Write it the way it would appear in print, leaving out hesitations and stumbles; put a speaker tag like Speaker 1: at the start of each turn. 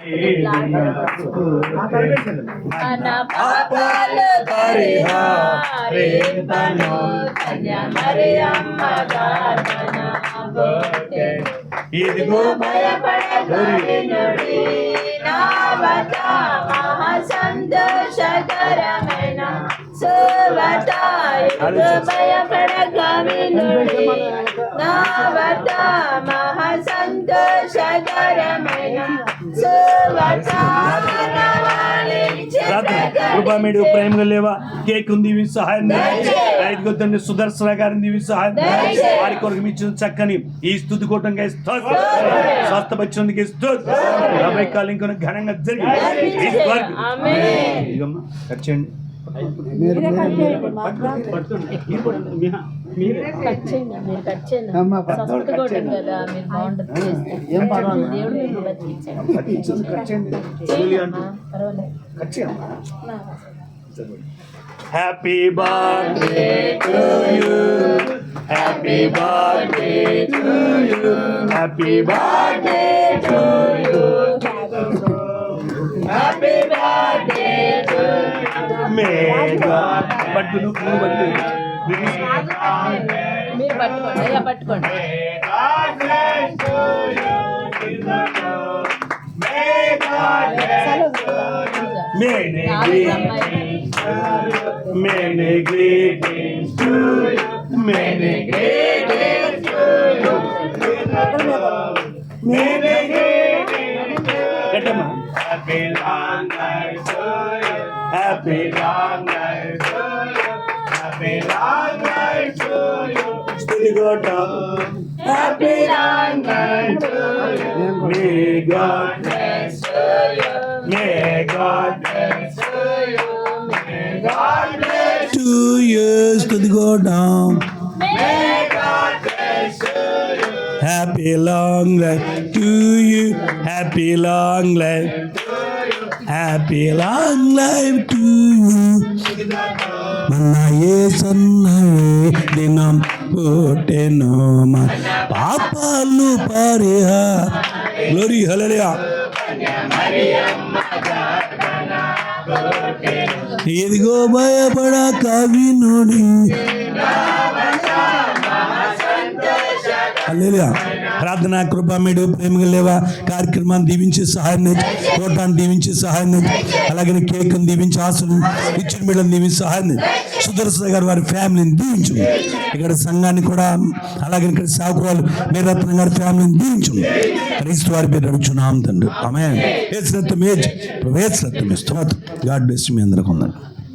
Speaker 1: మన పాపాలు పరిహారింపను కన్య మరియమ్మ గార్డనబోతే. ఇదిగో భయపడగలినుడి నావత మహా సంతోషకరమైన సువత. ఇదిగో భయపడగలినుడి నావత మహా సంతోషకరమైన సువత.
Speaker 2: కృపామేడు ప్రేమగా లేవా కేక్ ఉంది సహాయం తండ్రి సుదర్శన గారిని దీవి సహాయం వారి కొరకు ఇచ్చిన చక్కని ఈ స్తుతి కూటంగా స్వస్థపరిచినందుకు కాలం ఇంకా ఘనంగా జరిగింది. వచ్చేయండి happy birthday to you, happy birthday to you, happy birthday to you, happy birthday to you. May God పట్టును పట్టు
Speaker 1: మీరు పట్టుకోండి, అయ్యా పట్టుకోండి.
Speaker 2: Many greetings to you, many greetings to you, many greetings to you. Happy long life to you, happy long life to you, happy long life to you. Still got up. Happy long life to you. May God bless you. May God bless you. May God bless 2 years to go down. May God bless you. Happy long life to you. Happy long life to you. Happy long life to you. Manna yesannaye dinam puttenu man papalu pariha. Glory, hallelujah. ఇదిగో భయపడక వినుడి. హల్లెలూయా. ప్రార్థన కృపామేడు ప్రేమగా లేవా కార్యక్రమాన్ని దీవించి సహాయం కోటాన్ని దీవించి సహాయం, అలాగే కేక్ను దీవించి ఆశను ఇచ్చిన బిడ్డను దీవించి సహాయం, సుదర్శన గారు వారి ఫ్యామిలీని దీవించు. ఇక్కడ సంఘాన్ని కూడా అలాగే ఇక్కడ సాకురాలు మేరత్న గారి ఫ్యామిలీని దీవించు. క్రీస్తు వారి పేరు అడుగుచున్నాం తండ్రి. ఆమేన్. స్తోత్రం. గాడ్ బ్లెస్ మీ అందరికీ.